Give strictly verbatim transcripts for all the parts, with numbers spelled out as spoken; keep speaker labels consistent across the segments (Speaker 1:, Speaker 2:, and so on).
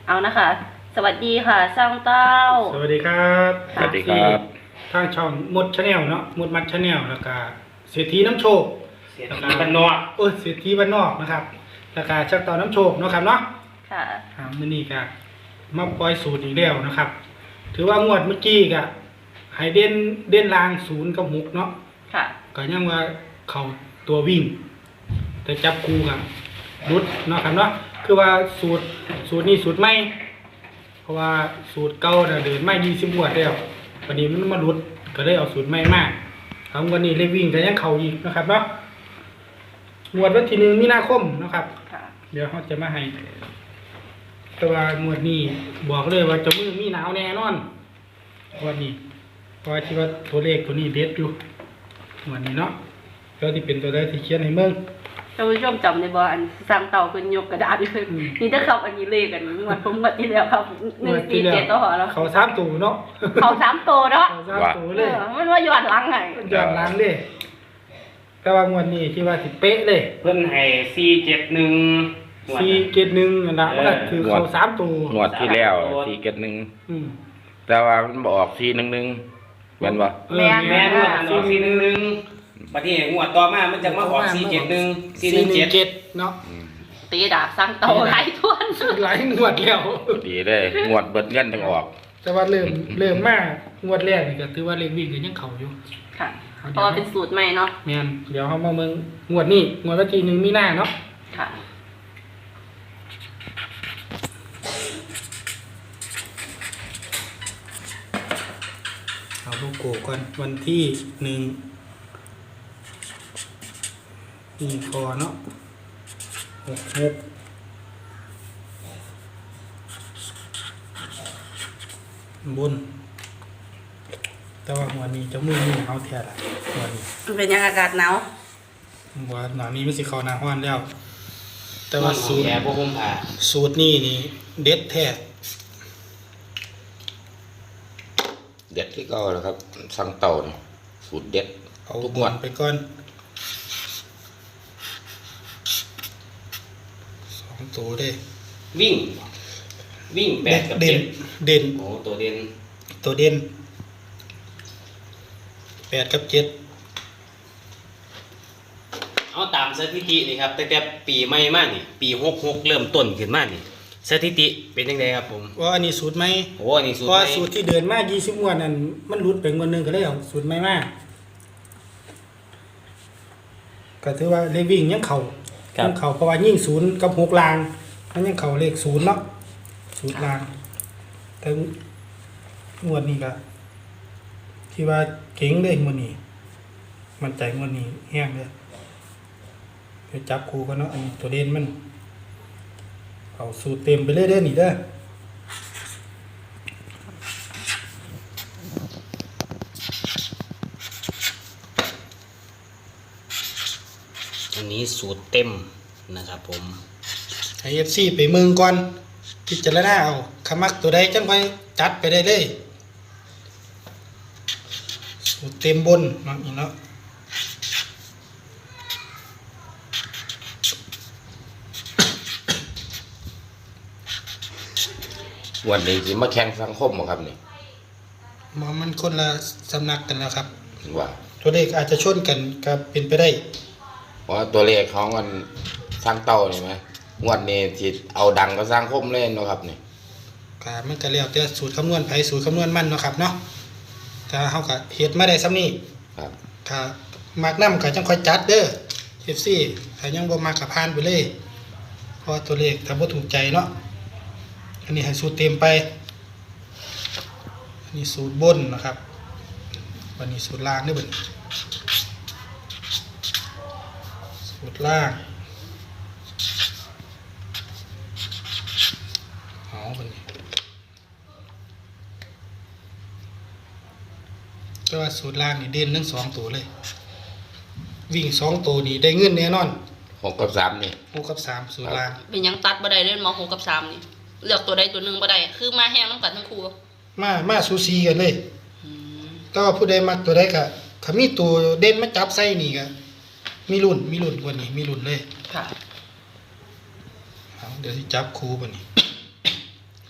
Speaker 1: เอานะคะสวัสดีค่ะสร้างเต้า
Speaker 2: สวัสดีครับ
Speaker 3: สวัสดีครับ
Speaker 2: ทางช่องมดชาแนลเนาะมดมัดชาแนลแล้วก็เศรษฐีน้ำโชค
Speaker 4: เศรษฐีบ้านนอก
Speaker 2: เออเศรษฐีบ้านนอกนะครับแล้วก็ชักต่อน้ำโชคเนาะครับเนาะ
Speaker 1: ค่ะ
Speaker 2: อ่ามื้อนี้ก็มาปล่อยสูตรอีกแล้วนะครับ ถือว่างวดเมื่อกี้ก็ให้เด่นเด่นลางศูนย์กับหกเนาะ
Speaker 1: ค่ะ
Speaker 2: ก็ยังว่าเข้าตัววิ่ง แต่จับคู่กับรุดเนาะครับเนาะคือว่าสูตรสูตรนี้สูตรใหม่เพราะว่าสูตรเก่าน่ะเดินไม่ยี่สิบงวดแล้ววันนี้มันมารุดก็เลยเอาสูตรใหม่มาทำวันนี้เลยวิ่งก็ยังเข้าอีกนะครับเนาะงวดวันที่หนึ่งมีนาคมนะครับเดี๋ยวเขาจะมาให้แต่ว่างวดนี้บอกเลยว่าจะมือมีหนาวแน่นอนวันนี้เพราะที่ว่าตัวเลขตัวนี้เด็ดอยู่วันนี้เนาะแล้วที่เป็นตัวใดที่เขียนให้เมือง
Speaker 1: ท่านผู้ชมจำในบ่อันสร้างเต่าเป็นยกกระดาษด้วยนี่ถ้าเขาอันนี้เลขกันงวดผมงวดที่แล้วครับหนึ่งสี่เจ็ดตัวหอแล้ว
Speaker 2: เขาสามตัวเนาะ
Speaker 1: เขาสามตัวเนาะ
Speaker 2: เขาสามตัวเลย
Speaker 1: มันว่าย้อนหลังไง
Speaker 2: ย้อนหลังเลยแต่ว่างวดนี้ที่ว่าสิเป๊ะเลย
Speaker 4: เพิ่นให้สี่เจ็ดหนึ่ง
Speaker 2: สี่เจ็ดหนึ่งนะมันก็คือเขาสามตัว
Speaker 3: งวดที่แล้วสี่เจ็ดหนึ่งแต่ว่ามันบอกสี่หนึ่งหนึ่งแม่นบ่
Speaker 1: แม่น
Speaker 4: แม่นว่าสี่สี่หนึ่งหนึ่งบัดนี้งวดต่อมามันจะมาออกสี่เจ็ดหนึ่งสี่หนึ่งเจ็ด
Speaker 2: เนาะ
Speaker 1: ตีดาบสร้างเต่าหลายทวน
Speaker 2: หลายงวดแล้ว
Speaker 3: ดีเลยงวดเบิดเงินทั้งออก
Speaker 2: แต่ว่าเริ่มเริ่มมากงวดแรกนี่ก็ถือว่าเลขวิ่งก็ยังเข้าอยู่
Speaker 1: ค่ะเพราะว่าเป็นสูตรใหม่เนาะ
Speaker 2: แม่นเดี๋ยวเฮามาเบิ่งงวดนี้งวดวันที่หนึ่งมีนาเนาะ
Speaker 1: ค่ะ
Speaker 2: เอาโลโก้ก่อนวันที่หนึ่งนี่คอเนาะหกหกบนแต่ว่าหัวนี้จะมือมือเอาแท้ละหัวนี้
Speaker 1: มันเป็นยังอากาศหนาว
Speaker 2: หัวหนาวนี้มันสิเข้าหน้าร้อนแล้วแต่ว่าสูตร
Speaker 4: แย่พวกผมผ่า
Speaker 2: สูตรนี้นี่เด็ดแท้
Speaker 3: เด็ดที่เก่าแล้วครับสั่งเต่าสูตรเด็ด
Speaker 2: เอาทุกงวดไปก่อนสองตัวเด้
Speaker 4: วิ่งวิ่งแปดกับ
Speaker 2: เด่นเด่น
Speaker 4: โอ้ตัวเด่น
Speaker 2: ตัวเด่นแปดกับเจ็ด
Speaker 4: เอาตามสถิตินี่ครับตั้งแต่ปีใหม่มานี่ปีหกหกเริ่มต้นขึ้นมานี่สถิติเป็นยังไงครับผม
Speaker 2: ว่าอันนี้สูตรไหม
Speaker 4: โอ้อันนี้สูตร
Speaker 2: เพราะสูตรที่เดินมายี่สิบงวดนั่นมันหลุดไปงวดนึงก็เลยเอาสูตรใหม่มาก็ถือว่าเลขวิ่งยังเข่ายังเข่าเพราะว่ายิ่งศูนย์กับหกลางมันยังเข่าเลขศูนย์เนาะศูนย์ลางแต่งวดนี้ก็ที่ว่าเก่งเลยงวดนี้มันใจงวดนี้แห้งเลยไปจับครูกันเนาะอันนี้ตัวเด่นมันเอาสูตรเต็มไปเลยเด้อนี่เด้อ
Speaker 4: อันนี้สูตรเต็มนะครับผม
Speaker 2: ให้ เอฟ ซี ไปเมืองก่อนพิจารณาเอาขมักตัวใดจังค่อยจัดไปได้เลยสูตรเต็มบนเนาะอีกเนาะ
Speaker 3: วันนี้สิมาแข่งสังคมบ่ครับนี่
Speaker 2: มันคนละสำนักกันแล้วครับ
Speaker 3: ว่า
Speaker 2: ตัวเลขอาจจะชนกันก็เป็นไปได้
Speaker 3: เพราะตัวเลขของมันสร้างเต่านี่ไหมงวดนี้สิเอาดังก็สร้างคมเล่นเนาะครับนี่
Speaker 2: ก็มันก็แล้วแต่สูตรคำนวณไผสูตรคำนวณมันเนาะครับเนาะถ้าเฮาก็เฮ็ดมาได้ซ้ำนี้
Speaker 3: ครับ
Speaker 2: ถ้ามักนำก็จังค่อยจัดเด้อ เอฟ ซี ถ้ายังบ่มักก็ผ่านไปเลยเพราะตัวเลขถ้าบ่ถูกใจเนาะอันนี้ให้สูตรเต็มไปอันนี้สูตรบนนะครับวันนี้สูตรล่างเด้อเบิ่นสูตรล่างเอาเบิ่นแต่ว่าสูตรล่างนี่เด่นทั้งสองตัวเลยวิ่งสองตัวนี่ได้เงินแน่นอน
Speaker 3: หกกับสามนี่
Speaker 2: หกกับสามสูตรล่าง
Speaker 1: เป็นยังตัดบ่ได้เล่นมหกกับสามนี่เลือกตัวใดตัวหนึ่งบ่ได้คือมาแห้งน้ำกันทั้งคู่
Speaker 2: มามาซูซีกันเลยก็ผู้ใดมักตัวใดก็ถ้ามีตัวเด่นมาจับใส่นี่ก็มีรุ่นมีรุ่นกว่านี้มีรุ่นเลย
Speaker 1: ค่ะ
Speaker 2: เดี๋ยวสิจับคู่บ่นี่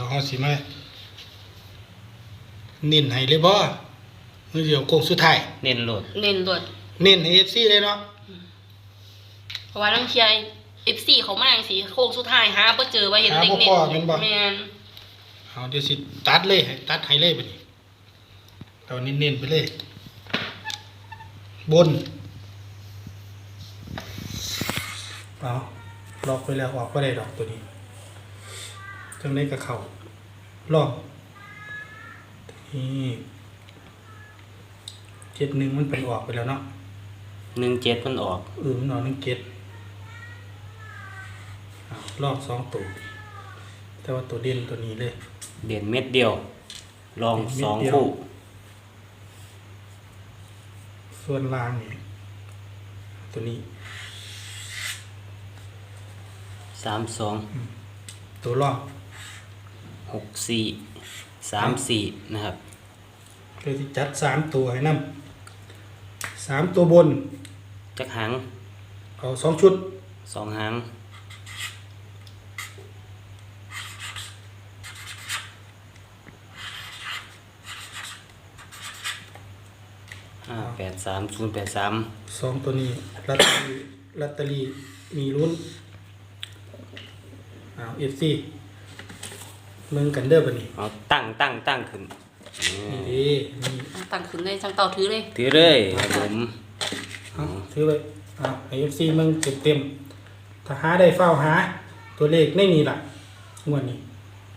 Speaker 2: เฮาสิมาเน้นให้เลยบ่มื้อเดียวโค้งสุดท้าย
Speaker 4: เน้นโหลด
Speaker 1: เน้นโดด
Speaker 2: เน้นให้ เอฟ ซี เลยเนาะ
Speaker 1: เพราะว่าน้องเชียร์ เอฟ ซี เขามาจังซี่โค้งสุดท้ายหาบ่เจอว่าเห็นเด็กเน้นแม่น
Speaker 2: เอาเดี๋ยวสิตัดเลยให้ตัดให้เลยบัดนี้เอาเน้นๆไปเลย บนเอาล็อกไปแล้วออกบ่ได้ดอกตัวนี้จังได๋ก็เข้าลองนี่เจ็ดหนึ่งมันไปออกไปแล้วเนาะ
Speaker 4: หนึ่งเจ็ดมันออก
Speaker 2: เออมันออกหนึ่งเจ็ดเอาลอกสองตัวแต่ว่าตัวเด่นตัวนี้เลย
Speaker 4: เด่นเม็ดเดียวลอง
Speaker 2: เม็ด
Speaker 4: สอง
Speaker 2: เดียว
Speaker 4: คู่
Speaker 2: ส่วนล่างนี่ตัวนี้
Speaker 4: สามสอง
Speaker 2: ตัวลอก
Speaker 4: หกสี่สามสี่นะครับ
Speaker 2: เลยที่จัดสามตัวให้นำสามตัวบน
Speaker 4: จักหาง
Speaker 2: เอาสองชุด
Speaker 4: สองหางห้าแปดสามศูนย์แปดสาม
Speaker 2: สองตัวนี้ลอตเตอรี่ลอตเตอรี่มีลุ้นเอาเอฟซีมึงกันเด้อบัดนี้
Speaker 4: เอาตั้งตั้งตั้งขึ้น
Speaker 2: นี่เด้นี่
Speaker 1: ตั้งขึ้นเลยช่างเต่าถือเลย
Speaker 4: ถือเลยครับผม
Speaker 2: เอาถือไว้เอาไอเอฟซีมึงเต็มเต็มๆถ้าหาได้เฝ้าหา ตัวเลขไม่มีล่ะงวดนี้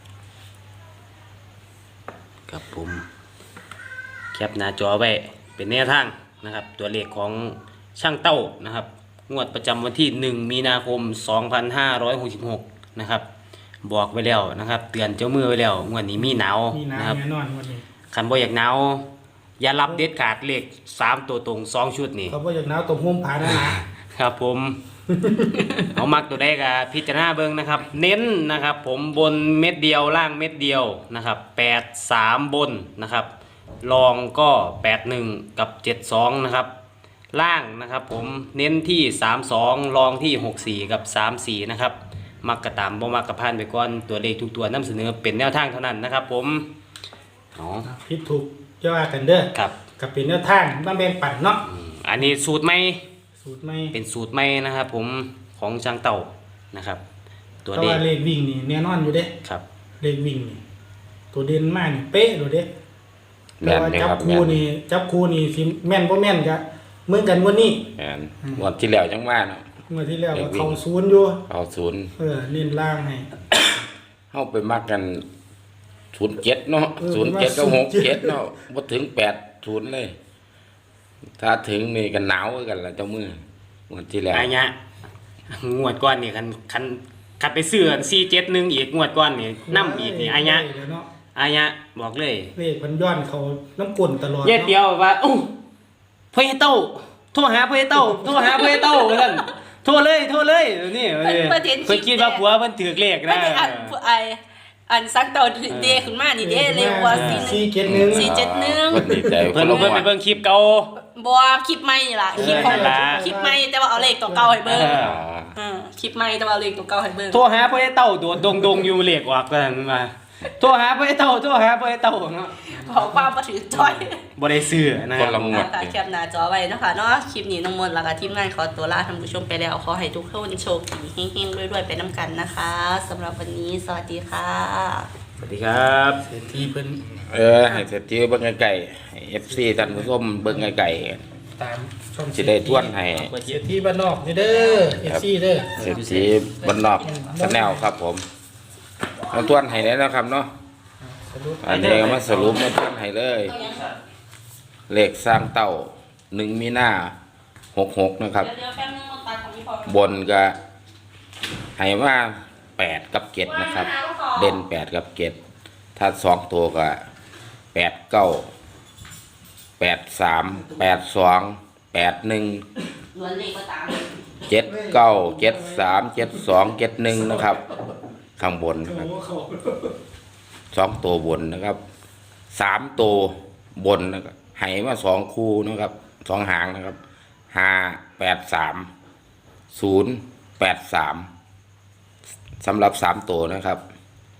Speaker 4: ครับผมแคปหน้าจอไว้เป็นแนวทางนะครับ ตัวเลขของช่างเต้านะครับ งวดประจำวันที่หนึ่งมีนาคมสองพันห้าร้อยหกสิบหกนะครับ บอกไว้แล้วนะครับ เตือนเจ้ามือไว้แล้วงวดนี้มีหนาว
Speaker 2: มี
Speaker 4: นะครับ
Speaker 2: น้ำแน่นอนงวดนี้
Speaker 4: คันบ่อยากหนาวอย่ารับเด็ดขาดเลขสามตัวตรงสองชุดนี่
Speaker 2: เขาบอกอยากหนาวตรงห่มผ้าหนาๆ
Speaker 4: ครับผม เอามักตัวได้กับพิจารณาเบิ่งนะครับ เน้นนะครับ ผมบนเม็ดเดียวล่างเม็ดเดียวนะครับแปดสามบนนะครับรองก็แปดหนึ่งกับเจ็ดสองนะครับล่างนะครับ ผมเน้นที่สามสองรองที่หกสี่กับสามสี่นะครับมักกระตามบ่มักกระพานไปก่อนตัวเลขทุกตัวนำเสนอเป็นแนวทางเท่านั้นนะครับ ผมอ๋อ
Speaker 2: ผิดถูกจะว่ากันเด้อ
Speaker 4: ครับ
Speaker 2: กับเป็นแนวทางบ้านแบงปั่นเนาะ
Speaker 4: อืมอันนี้สูตรใหม่
Speaker 2: สูตรไม่
Speaker 4: เป็นสูตรใหม่นะครับ ผมของช่างเต่านะครับ ตัว
Speaker 2: แต่
Speaker 4: เด็
Speaker 2: ว่าเลขวิ่งนี่แน่นอนอยู่เด้
Speaker 4: ครับ
Speaker 2: เลขวิ่งนี่ตัวเด่นมากนี่เป๊ะเลยเด้
Speaker 3: แม่
Speaker 2: แต่
Speaker 3: น
Speaker 2: ว่า
Speaker 3: เลย
Speaker 2: จั
Speaker 3: ครับ บ
Speaker 2: คู
Speaker 3: แม่น
Speaker 2: นี่จับคูนี่สิแม่นบ่แม่นกะเหมือนกันวันนี้
Speaker 3: แม่นงวดที่แล้วจังว่าเนาะ
Speaker 2: เมื่อที่แล้ว
Speaker 3: เล
Speaker 2: ก็
Speaker 3: ขวิ่ง
Speaker 2: เข้าศูนย์อยู่
Speaker 3: เอาศูนย์
Speaker 2: เออเน้นล่างให้
Speaker 3: เฮาไปมักกันศูนย์เจ็ดเนาะ
Speaker 2: เออ
Speaker 3: ศูนย์เจ็ดก็
Speaker 2: ว่า
Speaker 3: หกเจ็ด
Speaker 2: ศูนย์เจ็ด
Speaker 3: เนาะบ่ถึงแปดศูนย์เลย ถ้าถึงนี่ก็หนาวคือกันล่ะเจ้ามือ งวดที่แล้ว
Speaker 4: อันเนี้ยงวดก้อนนี่คันคันคันไปซื้อสี่เจ็ดหนึ่งอีกงวดก้อนนี่น้ำอีกนี่อันเนี้ย
Speaker 2: เดี๋ยวเนาะ
Speaker 4: อันเนี้ยบอกเลย
Speaker 2: เลขมันย้อนเขาน้ำกลนตลอด
Speaker 4: เย็ดเดียวว่าอู้พ่อเต้าโทรหาพ่อเต้าโทรหาพ่อเต้าว่าซั่นโทรเลยโทรเลยนี่
Speaker 1: เพิ่นเพิ่นเห็นคลิป
Speaker 4: เพิ่นคิดว่าผัวเพิ่นถือเลข
Speaker 1: ไม่
Speaker 4: นะ
Speaker 1: ได้อันไออันซักเต่าเดขึ้นมานี่เด้เร็วกว่าสี่หนึ่ง
Speaker 2: สี่เจ็ดหนึ่ง
Speaker 1: สี่เจ็ดหนึ่ง
Speaker 3: เพิ่นดีใจ
Speaker 4: เพิ่น
Speaker 3: ละ
Speaker 4: เพิ่น
Speaker 3: ง
Speaker 4: ไป
Speaker 3: วด
Speaker 4: เบิ่งคลิปเก่า
Speaker 1: บัวคลิปใหม่นี่ล่ะคลิปของ
Speaker 4: เออนั่นล่ะ
Speaker 1: คลิปใหม่แต่ว่าเอาเลขตัวเก่าให้เบิ่ง
Speaker 4: เออ
Speaker 1: เออคลิปใหม่แต่ว่าเอาเลขตัวเก่าให้เบิ่ง
Speaker 4: โทรหาพ่อเต้าโดดดงๆอยู่เลขออกกันมาโทรหาพ่อเต้าโทรหาพ่อเต้าเนาะ
Speaker 1: ขอความบ่ถือจ้อย
Speaker 4: บ่ได้ซื้อนะค
Speaker 3: ค
Speaker 4: รั
Speaker 3: น
Speaker 4: บ
Speaker 3: ละงวด
Speaker 1: ค่ะแคปหน้าจอไว้นะคะเนาะคลิปนี้น้องมนต์แล้วก็ทีมงานขอตัวลาท่านผู้ชมไปแล้วขอให้ทุกท่านโชคดีเฮงๆรวยๆไปน้ำกันนะคะสำหรับวันนี้สวัสดีค่ะ
Speaker 4: สวัสดีครับ
Speaker 2: เศรษฐีเพิ่น
Speaker 3: เออให้เสร็จที่เบิ่งไกลๆให้ เอฟ ซี ท่านผู้ชมเบิ่งไกล
Speaker 2: ตามช่อง
Speaker 3: ๆสิได้ทวนให้
Speaker 2: เศรษฐีบ้านนอกนี่เด้อเอฟซีเด้อ
Speaker 3: เสร็จที่บ้านนอกชาแนลครับผมมาทวนให้แล้วนะครับเนาะ
Speaker 2: สรุป
Speaker 3: อันนี้ก็มาสรุปมาทวนให้เลย เลขสร้างเต้าหนึ่งมีนาหกหกนะครับ
Speaker 1: เดี๋ยวแป๊บนึงมาตัดของพี่พอ
Speaker 3: บนก็ให้ว่าแปดกับเจ็ดนะครับ เด่นแปดกับเจ็ดถ้าสองตัวก็แปดเก้าแปดสามแปดสองแปดหนึ่ง
Speaker 1: ล้วนเลขก็ตาม
Speaker 3: เจ็ดเก้าเจ็ดสามเจ็ดสองเจ็ดหนึ่งนะครับ ข้างบนนะครับสองตัวบนนะครับสามตัวบนนะครับให้มาสองคู่นะครับสองหางนะครับห้าแปดสามศูนย์แปดสามสำหรับสามตัวนะครับ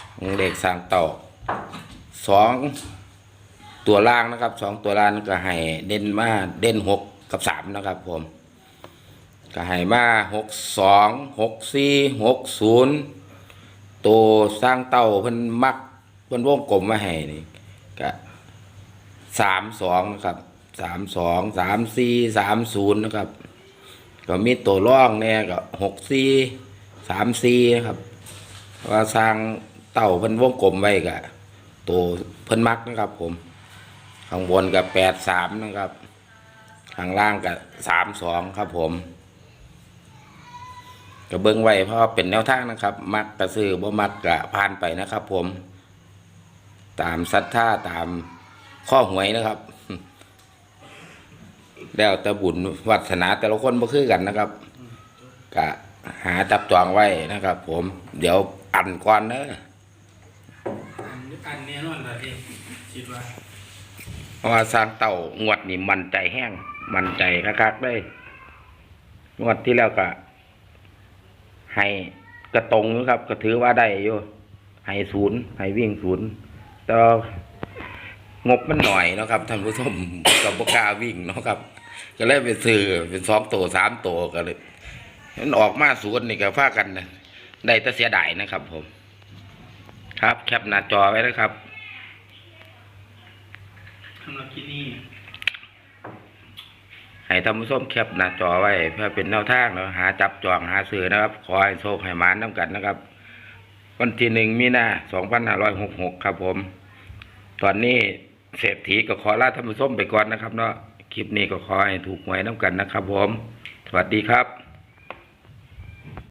Speaker 3: ของเลขสร้างเต่าสองตัวล่างนะครับสองตัวล่างก็ให้เด่นมาเด่นหกกับสามนะครับผมก็ให้มาหกสองหกสี่หกศูนย์ตัวสร้างเต่าเพิ่นมักเพิ่นวงกลมมาให้นี่ก็สามสองนะครับสามสองสามสี่สามศูนย์นะครับก็มีตัวร่องเนี่ยก็หกสี่สามสี่นะครับว่าสร้างเต่าเพิ่นวงกลมไว้ก็ตัวเพิ่นมักนะครับผมข้างบนกับแปดสามนะครับข้างล่างกับสามสองครับผมก็เบิ้งไว้เพราะเป็นแนวทางนะครับ มักกระซื้อบ่มักกะผ่านไปนะครับผมตามศรัทธาตามข้อหวยนะครับแล้วแต่บุญวัฒนาแต่ละคนบ่คือกันนะครับกะหาจับจองไว้นะครับผมเดี๋ยวอันก่อนเนอะ
Speaker 2: อันนี้นอนละที่คิดว่า
Speaker 3: เพราะว่าสร้างเต่างวดนี่มันใจแห้งมันใจคักๆได้งวดที่แล้วก็ให้กระตรงอยู่ครับก็ถือว่าได้อยู่ให้ศูนย์ให้วิ่งศูนย์แต่งบมันหน่อยเนาะครับท่านผู้ชมกับปกล้าวิ่งเนาะครับก็เลยไปซื้อเป็นสองตัวสามตัวก็เลยมันออกมาศูนย์นี่ก็พากันนะได้แต่เสียดายนะครับผมครับแคปหน้าจอไว้นะครับ
Speaker 2: สำหรับที่นี่
Speaker 3: ให้ท่านผู้ชมแคปหน้าจอไว้เพื่อเป็นแนวทางแล้วหาจับจองหาซื้อนะครับขอให้โชคให้หมานน้ำกันนะครับวันที่หนึ่งมีนาสองพันห้าร้อยหกหกครับผมตอนนี้เศรษฐีก็ขอลาท่านผู้ชมไปก่อนนะครับเนาะคลิปนี้ก็ขอให้ถูกหวยน้ำกันนะครับผมสวัสดีครับ